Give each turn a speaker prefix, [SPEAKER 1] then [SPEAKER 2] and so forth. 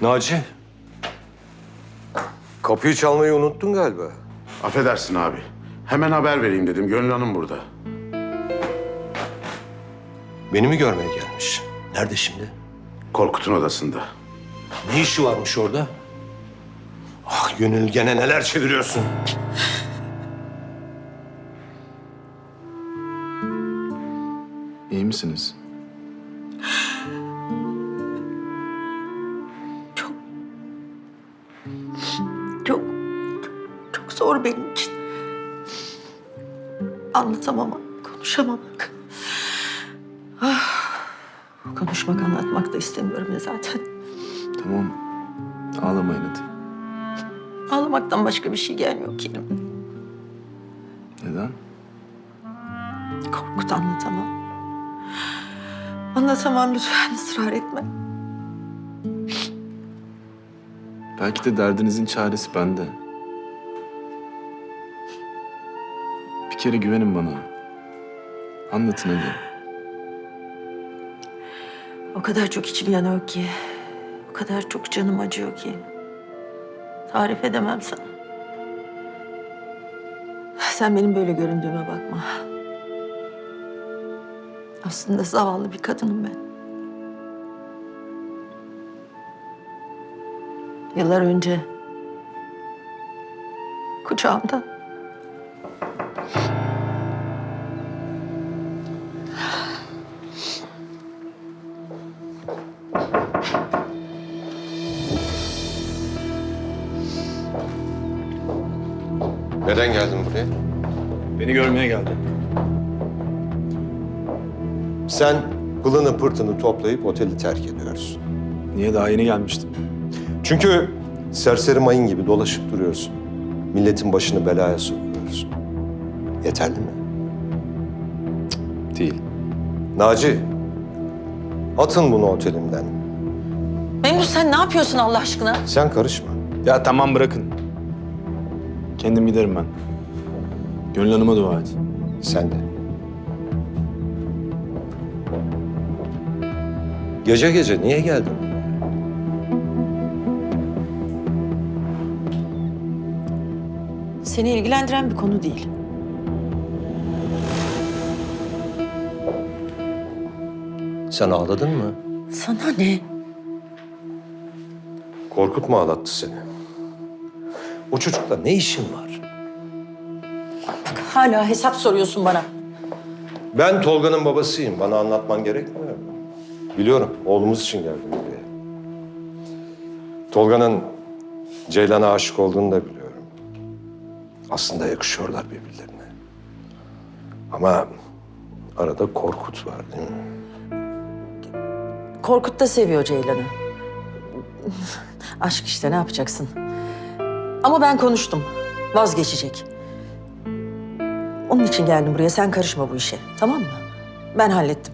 [SPEAKER 1] Naci. Kapıyı çalmayı unuttun galiba.
[SPEAKER 2] Affedersin abi. Hemen haber vereyim dedim. Gönül Hanım burada.
[SPEAKER 1] Beni mi görmeye gelmiş? Nerede şimdi?
[SPEAKER 2] Korkut'un odasında.
[SPEAKER 1] Ne işi varmış orada? Ah Gönül, gene neler çeviriyorsun?
[SPEAKER 3] İyi misiniz?
[SPEAKER 4] Çok, çok zor benim için. Anlatamamak, konuşamamak. Konuşmak, anlatmak da istemiyorum ya zaten.
[SPEAKER 3] Tamam. Ağlamayın hadi.
[SPEAKER 4] Ağlamaktan başka bir şey gelmiyor ki elimden.
[SPEAKER 3] Neden?
[SPEAKER 4] Korkut, anlatamam. Anlatamam, lütfen ısrar etme.
[SPEAKER 3] Belki de derdinizin çaresi bende. Bir kere güvenin bana. Anlatın hadi.
[SPEAKER 4] O kadar çok içim yanıyor ki. O kadar çok canım acıyor ki. Tarif edemem sana. Sen benim böyle göründüğüme bakma. Aslında zavallı bir kadınım ben. Yıllar önce kucağımda
[SPEAKER 1] Neden geldin buraya?
[SPEAKER 3] Beni görmeye geldi.
[SPEAKER 1] Sen pılını pırtını toplayıp oteli terk ediyorsun.
[SPEAKER 3] Niye daha yeni gelmiştim?
[SPEAKER 1] Çünkü serseri mayın gibi dolaşıp duruyorsun. Milletin başını belaya sokuyorsun. Yeterli mi?
[SPEAKER 3] Değil.
[SPEAKER 1] Naci, atın bunu otelimden.
[SPEAKER 4] Memduh, sen ne yapıyorsun Allah aşkına?
[SPEAKER 1] Sen karışma.
[SPEAKER 3] Ya tamam bırakın. Kendim giderim ben. Gönül Hanım'a dua et.
[SPEAKER 1] Sen de. Gece gece niye geldin?
[SPEAKER 4] Seni ilgilendiren bir konu değil.
[SPEAKER 1] Sen ağladın mı?
[SPEAKER 4] Sana ne?
[SPEAKER 1] Korkut mu ağlattı seni? O çocukla ne işin var?
[SPEAKER 4] Bak hala hesap soruyorsun bana.
[SPEAKER 1] Ben Tolga'nın babasıyım. Bana anlatman gerekmiyor mu? Biliyorum. Oğlumuz için geldim buraya. Tolga'nın Ceylan'a aşık olduğunu da biliyorum. Aslında yakışıyorlar birbirlerine. Ama arada Korkut var değil mi?
[SPEAKER 4] Korkut da seviyor Ceylan'ı. Aşk işte, ne yapacaksın? Ama ben konuştum. Vazgeçecek. Onun için geldim buraya. Sen karışma bu işe. Tamam mı? Ben hallettim.